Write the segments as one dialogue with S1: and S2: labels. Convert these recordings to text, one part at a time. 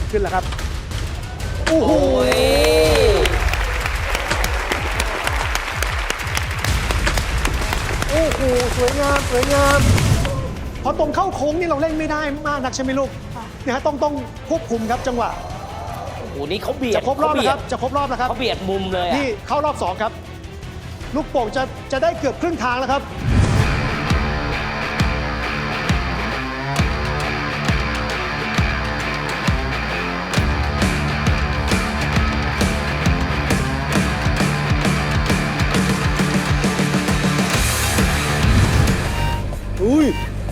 S1: ขึ้นแล้วครับโอ้โหโอ้โหสวยงามสวยงามพอตรงเข้าโค้งนี่เราเล่นไม่ได้มากนักใช่ไหมลูกเนี่ยฮะต้องควบคุมครับจังหวะ
S2: โอ้โหนี่เขาเบียด
S1: จะครบรอบแล้วครับจะครบรอบแล้วครับ
S2: เขาเบียดมุมเลยอะ
S1: นี่เข้ารอบ2ครับลูกโป่งจะได้เกือบครึ่งทางแล้วครับอุ้ย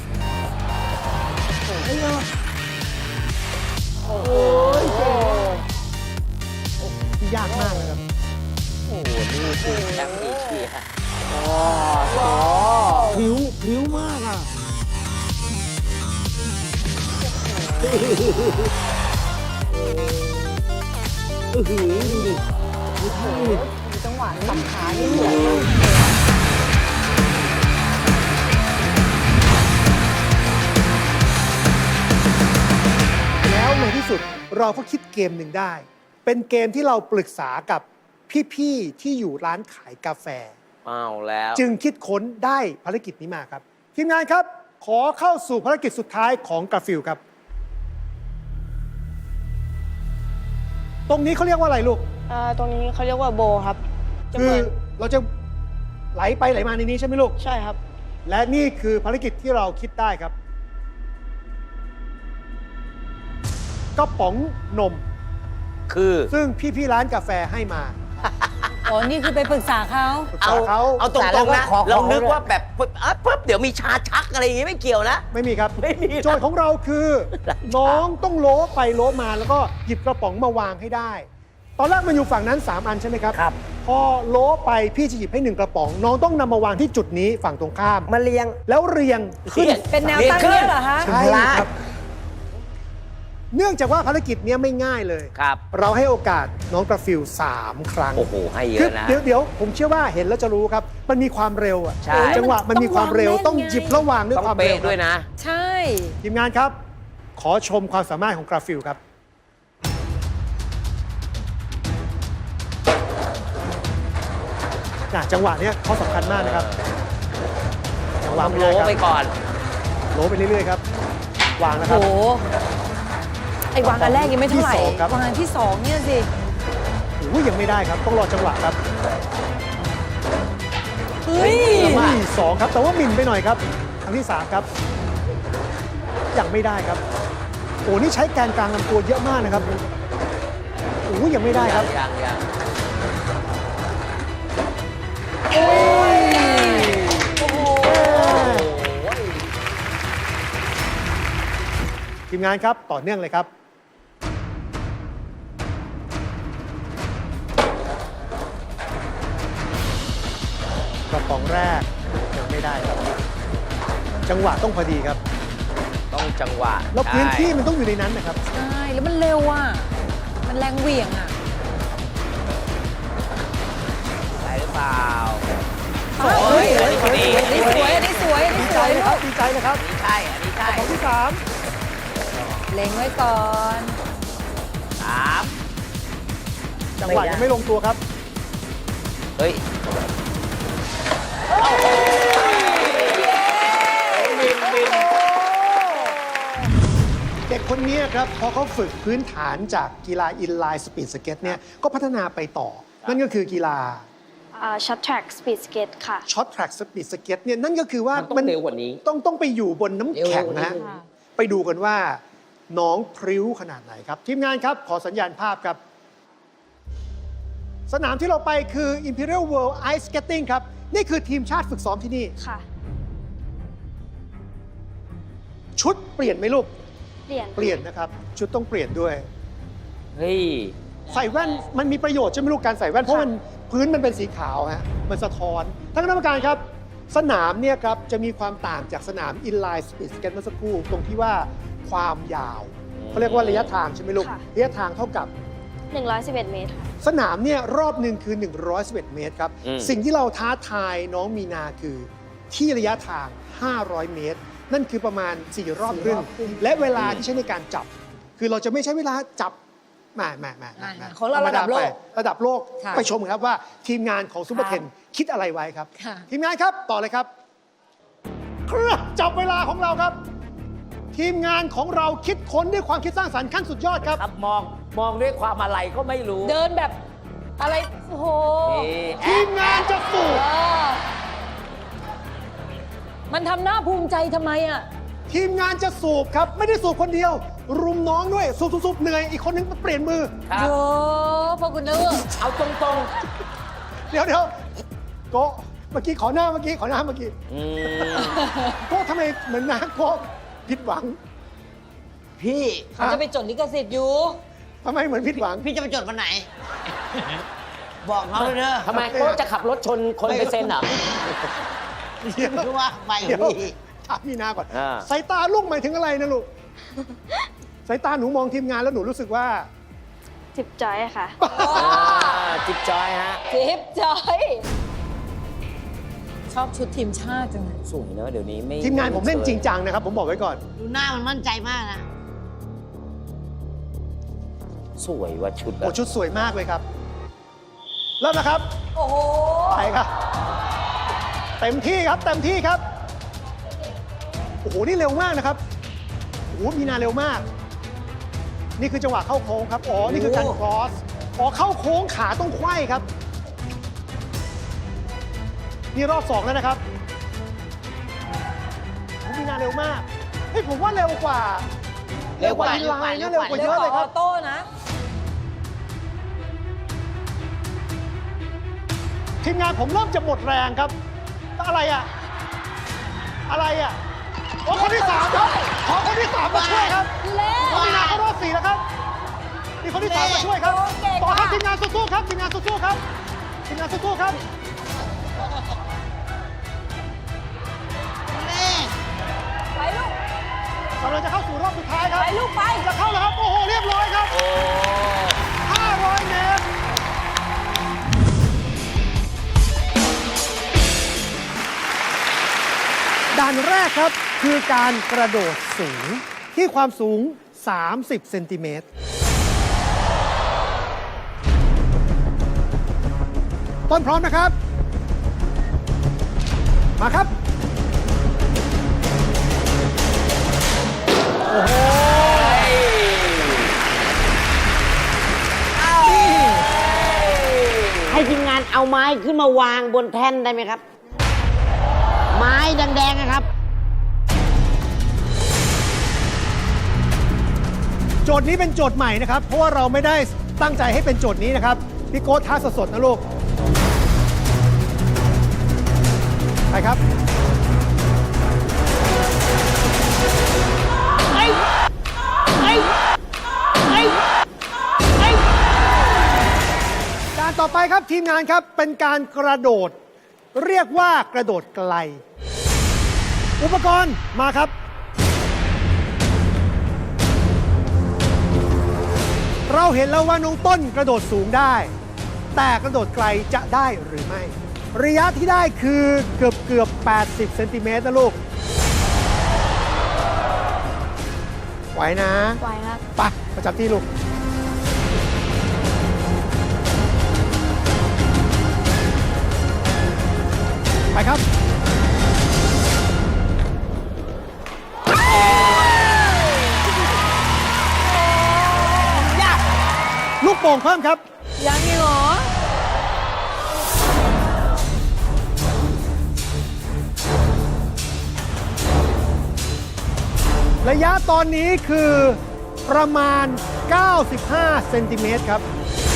S1: โอ้ยยากมากเลยครับ
S2: โอ้โหนี่คือแชมป์เอเชีย
S1: พริ้วมากอ่ะดูดิ
S3: มีจังหวะสับขานี่เหมือน
S1: แล้วในที่สุดเราก็คิดเกมหนึ่งได้ เป็นเกมที่เราปรึกษากับพี่ๆที่อยู่ร้านขายกาแฟ
S2: เอาแล้ว
S1: จึงคิดค้นได้ภารกิจนี้มาครับ ทีมงานครับ ขอเข้าสู่ภารกิจสุดท้ายของกาฟิลครับ ตรงนี้เขาเรียกว่าอะไรลูก
S3: ตรงนี้เขาเรียกว่าโบครับจะ
S1: คื
S3: เห
S1: อ
S3: มือน
S1: เราจะไหลไปไหลมาในนี้ใช่ไหมลูก
S3: ใช่ครับ
S1: และนี่คือภารกิจที่เราคิดได้ครับกระป๋องนม
S2: คือ
S1: ซึ่งพี่ๆร้านกาแฟให้มา
S4: อ๋อ นี่คือไปปรึกษาเขา
S1: ปรึกษาเขา
S2: เอาตรงๆนะเรานึกว่าแบบปุ๊บเดี๋ยวมีชาชักอะไรอย่างงี้ไม่เกี่ยวนะ
S1: ไม่มีครับ
S2: ไม่มีนะ
S1: โจทย์ของเราคือ น้องต้องโล้ไปโล้มาแล้วก็หยิบกระป๋องมาวางให้ได้ ตอนแรกมันอยู่ฝั่งนั้น 3 อันใช่ไหมครับ
S2: ครับ
S1: พอโล้ไปพี่จะหยิบให้ 1 กระป๋อง น้องต้องนำมาวางที่จุดนี้ฝั่งตรงข้าม
S5: มาเรียง
S1: แล้วเรียงขึ้น
S4: เป็นแนวตั้ง
S2: ขึ้น
S4: เนี่ยเหรอคะ
S1: ใช่ครับ เนื่องจากว่าภารกิจเนี้ยไม่ง่ายเลย
S2: ครับ
S1: เราให้โอกาสน้องกระฟิล3 ครั้ง
S2: โอ้โหให้เย
S1: คือ
S2: อะนะ
S1: เดี๋ยวผมเชื่อว่าเห็นแล้วจะรู้ครับ มันมีความเร็วอะ
S2: ใช่
S1: จังหวะมันมีความเร็วต้องหยิบระหว่างด้วย
S2: ต้อง
S1: ความเร็
S2: เป๊ะ
S1: ว
S2: ด้วยนะ
S4: ใช่
S1: ทีมงานครับ ขอชมความสามารถของกราฟิลครับจังหวะเนี้ยเขาสำคัญมากนะครับจังหวะ
S2: วาง
S1: ไม่
S2: โล
S1: ได้ครับ
S2: ไปก่อน
S1: โลไปเรื่อยๆครับวางนะค
S4: โห
S1: รับ
S4: ไอ้วางอันแรกยังไม่เท่าไหร่
S1: ที่สองครับ
S4: วางอันที่สองเนี่ยสิ
S1: โอ้ยยังไม่ได้ครับ ต้องรอจังหวะครับ
S4: เฮ้ย
S1: สองครับแต่ว่าหมิ่นไปหน่อยครับครั้งที่ 3 ครับยังไม่ได้ครับโอ้นี่ใช้แกนกลางลำตัวเยอะมากนะครับโอ้ยยังไม่ได้ครับ
S2: ยัง
S1: โอ้ย
S4: โอ้โห
S1: ทีมงานครับต่อเนื่องเลยครับกระป๋องแรกยังไม่ได้ครับ จังหวะต้องพอดีครับ
S2: ต้องจังหวะ
S1: แล้วพื้นที่
S2: ใช่
S1: มันต้องอยู่ในนั้นนะครับ
S4: ใช่ แล้วมันเร็วอ่ะ มันแรงเหวี่ยงอ่ะ
S2: ได้หรือเปล่า
S4: เฮ้ย
S2: อันนี้พอดี
S4: อันนี้สวยอันนี้สวยอัน
S1: ดี
S4: นี้ส
S1: ใจ
S4: วย
S1: เลยครับดีใจเลยครับ
S2: อันนี้ใช่อันนี้ใช่
S1: ของที่
S4: เล็งไว้ก่อน
S1: 3 จังหวะยังไม่ลงตัวครับ
S2: เฮ้ย
S1: เด็กคนนี้ครับพอเขาฝึกพื้นฐานจากกีฬาอินไลน์สปีดสเก็ตเนี่ยก็พัฒนาไปต่อ นั่นก็คือกีฬา
S6: ช็อตแทร็กสปีดสเก็ตค่ะ
S1: ช็อตแทร็กสปีดสเก็ตเนี่ยนั่นก็คือว่า
S2: มันต้องเร็วกว่านี้
S1: ต้องไปอยู่บนน้ำแข็งนะฮะ
S2: เร็วกว่านี้
S1: ไปดูกันว่าน้องพริ้วขนาดไหนครับ ทีมงานครับ ขอสัญญาณภาพครับ สนามที่เราไปคือ Imperial World Ice Skating ครับ นี่คือทีมชาติฝึกซ้อมที่นี่
S6: ค่ะ
S1: ชุดเปลี่ยนไหมลูก
S6: เปลี่ยน
S1: เปลี่ยนนะครับ ชุดต้องเปลี่ยนด้วย
S2: เฮ้ย
S1: ใส่แว่นมันมีประโยชน์ใช่ไหมลูกการใส่แว่น เพราะมันพื้นมันเป็นสีขาวฮะมันสะท้อนท่านคณะกรรมการครับ สนามเนี่ยครับจะมีความต่างจากสนามอินไลน์สปีดสเก็ตเมื่อสักครู่ตรงที่ว่าความยาวเขาเรียกว่าระยะทางใช่ไหมลูกระยะทางเท่ากับ
S6: 111 เมตรค่ะ
S1: สนามเนี่ยรอบหนึ่งคือ 111 เมตรครับ สิ่งที่เราท้าทายน้องมีนาคือที่ระยะทาง 500 เมตร นั่นคือประมาณ 4 รอบครึ่ง และเวลาที่ใช้ในการจับคือเราจะไม่ใช้เวลาจับมา
S4: ของเราระดับโลก
S1: ระดับโลก
S4: ค่ะ
S1: ไปชมกันครับว่าทีมงานของซูเปอร์เทนคิดอะไรไว้ครับ
S4: ค่ะ
S1: ทีมงานครับต่อเลยครับเครื่องจับเวลาของเราครับ ทีมงานของเราคิดค้นด้วยความคิดสร้างสรรค์ขั้นสุดยอดครับ
S2: ครับมองด้วยความอะไรก็ไม่รู้
S4: เดินแบบอะไร โอ้โห
S2: นี่
S1: ทีมงานจะสูบ
S4: เออมันทำหน้าภูมิใจทำไมอ่ะ
S1: ทีมงานจะสูบครับ ไม่ได้สูบคนเดียว รุมน้องด้วยสูบเหนื่อยอีกคนนึงเปลี่ยนมือ
S2: ครับ
S4: โยพอคุณเลือก
S2: เอาตรง
S1: เดี๋ยวโกะเมื่อกี้ขอหน้าเมื่อกี้
S2: ๆอืม
S1: โกะทำไมเหมือนนะโกะผิดหวัง
S5: พี่
S4: เขาจะไปจดลิขสิทธิ์อยู่
S1: ทำไมเหมือนผิดหวัง
S5: พี่จะไปจดวันไหน บอกเขาเลยเด้อ
S2: ทำไมโค้ชจะขับรถชนคนไปเซ็นเหรอ
S5: คือว่าไป
S1: เดี๋ยว
S5: พี่
S1: ถามมีนาก่อน
S2: อ่า
S1: สายตาลูกหมายถึงอะไรนะลูก สายตาหนูมองทีมงานแล้วหนูรู้สึกว่า
S6: จิบจอยค่ะ
S2: จิ๊บจอยฮะ
S4: ทิปจอย ชอบชุดทีมชาติจังเลย
S2: สวยเนอะเดี๋ยวนี้ไม่
S1: ทีมงานผมเล่นจริงจังนะครับ ผมบอกไว้ก่อน
S5: ดูหน้ามันมั่นใจมากนะ
S2: สวยว่าชุด
S1: โอ้ชุดสวยมากเลยครับ เริ่มนะครับ
S4: โอ้โห
S1: ไปครับ เต็มที่ครับ เต็มที่ครับ โอ้โห นี่เร็วมากนะครับ โอ้โห มีนาเร็วมาก นี่คือจังหวะเข้าโค้งครับ อ๋อ นี่คือการครอส อ๋อ เข้าโค้งขาต้องไขว้ครับ นี่รอบ2แล้วนะครับโอ้โหมีนาเร็วมาก เฮ้ย ผมว่าเร็วกว่า
S5: เร็วกว่า
S1: อินไลน์นะเร็วกว่า
S4: เร็
S1: เยว อะ
S4: ก
S1: เล
S4: ว่าย อ
S1: ค
S4: อ
S1: รับ
S4: โต้นะ
S1: ทีมงานผมเริ่มจะหมดแรงครับ อะไรอะอะไรอะโอ้คนที่3ครับ ขอคนที่3มาช่วยครับ
S4: เร็ว
S1: น้องมีนาเข้ารอบ4แล้วครับมีคนที่3มาช่วยครับ
S4: โอเค
S1: ต่อครับ
S4: ค่ะ
S1: ทีมงานสู้ๆครับทีมงานสู้ๆครับทีมงานสู้ๆครับ
S4: ไปลูก
S1: กำลังจะเข้าสู่รอบสุดท้ายครับ
S4: ไปลูกไป
S1: จะเข้าแล้วครับ โอ้โห เรียบร้อยครับ
S2: โอ้
S1: 500 เมตร ด่านแรกครับคือการกระโดดสูงที่ความสูง 30 เซนติเมตร ต้นพร้อมนะครับ มาครับ โอ้โห
S5: ให้ทีมงานเอาไม้ขึ้นมาวางบนแท่นได้ไหมครับ ไม้แดงๆนะครับ
S1: โจทย์นี้เป็นโจทย์ใหม่นะครับ เพราะว่าเราไม่ได้ตั้งใจให้เป็นโจทย์นี้นะครับ พี่โก้ท้าสดๆนะลูก ไปครับ การต่อไปครับทีมงานครับเป็นการกระโดด เรียกว่ากระโดดไกล อุปกรณ์มาครับ เราเห็นแล้วว่าน้องต้นกระโดดสูงได้ แต่กระโดดไกลจะได้หรือไม่ ระยะที่ได้คือเกือบ 80 เซนติเมตรนะลูก ไหวนะ
S6: ไหวครับ
S1: ไปประจำที่ลูก ไปครับ ลูกโป่งเพิ่มครับ
S4: ยังอีกเหรอ
S1: ระยะตอนนี้คือประมาณ 95 เซนติเมตรครับ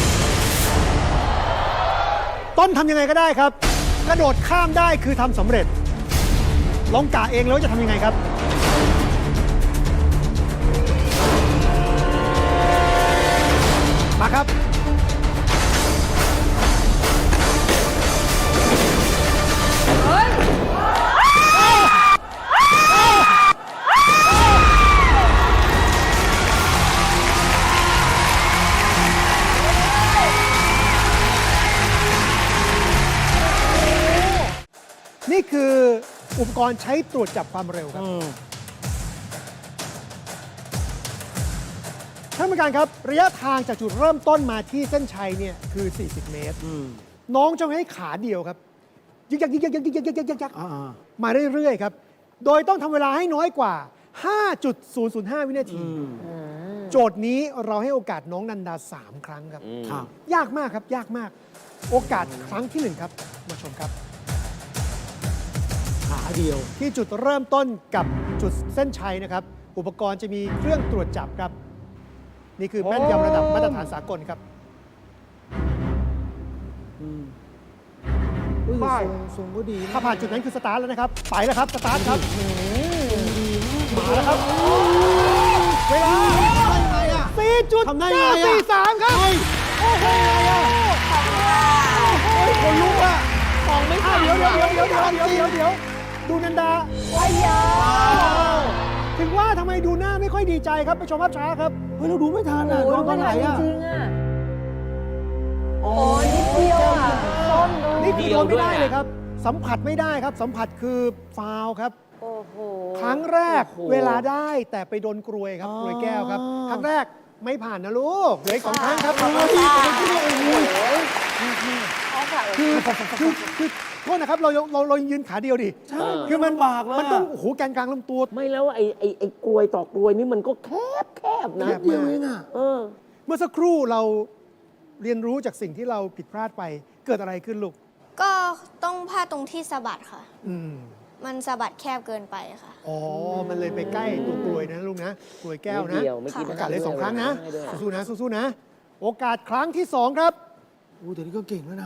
S1: ต้นทำยังไงก็ได้ครับ กระโดดข้ามได้คือทำสำเร็จ ลองกะเองแล้วจะทำยังไงครับ มาครับ
S4: เฮ้ย
S1: นี่คืออุปกรณ์ใช้ตรวจจับความเร็วครับท่านผู้การครับ ระยะทางจากจุดเริ่มต้นมาที่เส้นชัยเนี่ยคือ 40 เมตร น้องจะให้ขาเดียวครับ ยึกยักยึกยักยึกยักยึกยักยึกยักมาเรื่อยๆครับ โดยต้องทำเวลาให้น้อยกว่า 5.005 วินาที โจทย์นี้เราให้โอกาสน้องนันดา 3 ครั้งครับ ยากมากครับ ยากมาก โอกาสครั้งที่ 1 ครับ มาชมครับ
S7: ขาเดียว
S1: ที่จุดเริ่มต้นกับจุดเส้นชัยนะครับ อุปกรณ์จะมีเครื่องตรวจจับครับ นี่คือแม่นยำระดับมาตรฐานสากลครับ
S7: ป้ายทรงก็ดีนะ
S1: ถ้าผ่านจุดนั้นคือสตาร์ทแล้วนะครับ ไปแล้วครับ สตาร์ทครับมาแล้วครับ เวลา
S7: ทำได้ไงอะ
S1: 4.943 ครับ โอ้โหคนลุกอะ
S3: ของไม่ทัน
S1: เดี๋ยว ดูนันดา
S3: ว้ายา
S1: ถึงว่าทำไมดูหน้าไม่ค่อยดีใจครับ ไปชมภาพช้าครับ
S7: เฮ้ยเราดูไม่ทันอ่ะ
S4: โอ้ย
S7: โดนต
S4: ไม่
S7: อนไหน
S4: ทัน
S7: อ่ะ
S4: จริงๆอ่ะ
S7: โอ้
S3: โอ้ยนิดเดียวอ่ะต้นดู
S1: นี่คือโดนไม่ได้
S2: เดียวด้วยอะ
S1: เลยครับ สัมผัสไม่ได้ครับ สัมผัสคือฟาวล์ครับ
S4: โอ้โห
S1: ครั้งแรก
S2: โอ้โห
S1: เวลาได้แต่ไปโดนกรวยครับ กรวยแก้วครับ ครั้งแรกไม่ผ่านนะลูกเหลืออีก 2 ครั้งครับคือโทษนะครับ เรายืนขาเดียวดิ
S7: ใช่
S1: คือมัน
S7: ลำบากเลยอะ
S1: มันต้องโอ้โหแกนกลางลำตัว
S5: ไม่แล้วไอ้กลวยต่อกลวยนี่มันก็แคบนะ
S1: แคบ
S7: เดียวเองอ่ะ
S5: เออ
S1: เมื่อสักครู่เราเรียนรู้จากสิ่งที่เราผิดพลาดไป เกิดอะไรขึ้นลูก
S6: ก็ต้องพลาดตรงที่สะบัดค่ะ
S1: อืม
S6: มันสะบัดแคบเกินไปค่ะ
S1: อ๋อ มันเลยไปใกล้ตัวกลวยนะลูกนะ กลวยแก้วนะ
S5: นิดเดียวไม่คิด
S1: โอกาสเลย 2 ครั้งนะ
S5: ให้ด้วย
S1: สู้ๆนะ สู้ๆนะ โอกาสครั้งที่ 2 ครับ
S7: อู้แต่นี่ก็เก่งแล้วนะ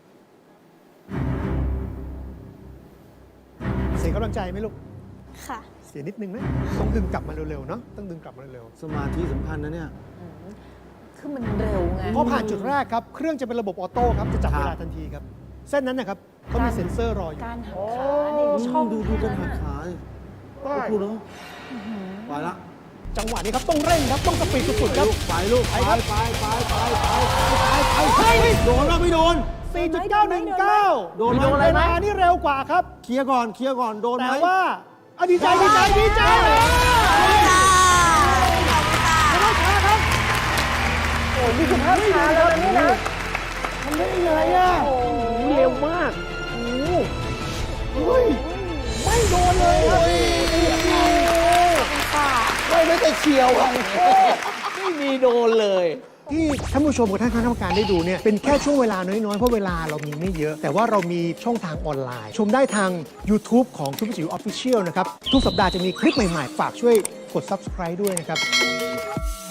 S1: เสียกำลังใจไหมลูก
S6: ค่ะ
S1: เสียนิดนึงไหมต้องดึงกลับมาเร็วๆเนาะ ต้องดึงกลับมาเร็ว
S7: สมาธิสำคัญนะเนี่ย
S4: คือมันเร็วไง
S1: ๆพอผ่านจุดแรกครับ เครื่องจะเป็นระบบออโต้ครับ จะจับเวลาทันทีครับ เส้นนั้นนะครับเขามีเซ็นเซอร์รออยู่
S4: การหักขานี่ช่อง
S7: ดูกันหักขาดิโอ้โหเนาะไปละ
S1: จังหวะนี้ครับต้องเร่งครับ ต้องสปีดสุดๆครับ
S7: ไปลูกไปไปโดนแล้วไม่โดน
S1: 4.919
S7: โดนไหม
S1: เวลานี่เร็วกว่าครับ
S7: เคลียร์ก่อนโดนไหม
S1: แต่ว่าอ่ะดีใจชนะครับ
S3: โอ้ยนี่คือภาพช้าแล้วนะนี่นะ
S1: ทำได้ยังไงอ่ะ
S5: เร็วมาก
S1: เฮ้ยไม่โดนเลยครับ
S7: ไม่แต่เฉียวอ่ะ
S5: ไม่มีโดนเลย
S1: ที่ท่านผู้ชมกับท่านคณะกรรมการได้ดูเนี่ยเป็นแค่ช่วงเวลาน้อย ๆ เพราะเวลาเรามีไม่เยอะ แต่ว่าเรามีช่องทางออนไลน์ ชมได้ทาง YouTube ของทุกจิ๋ว Official นะครับ ทุกสัปดาห์จะมีคลิปใหม่ ๆ ฝากช่วยกด Subscribe ด้วยนะครับ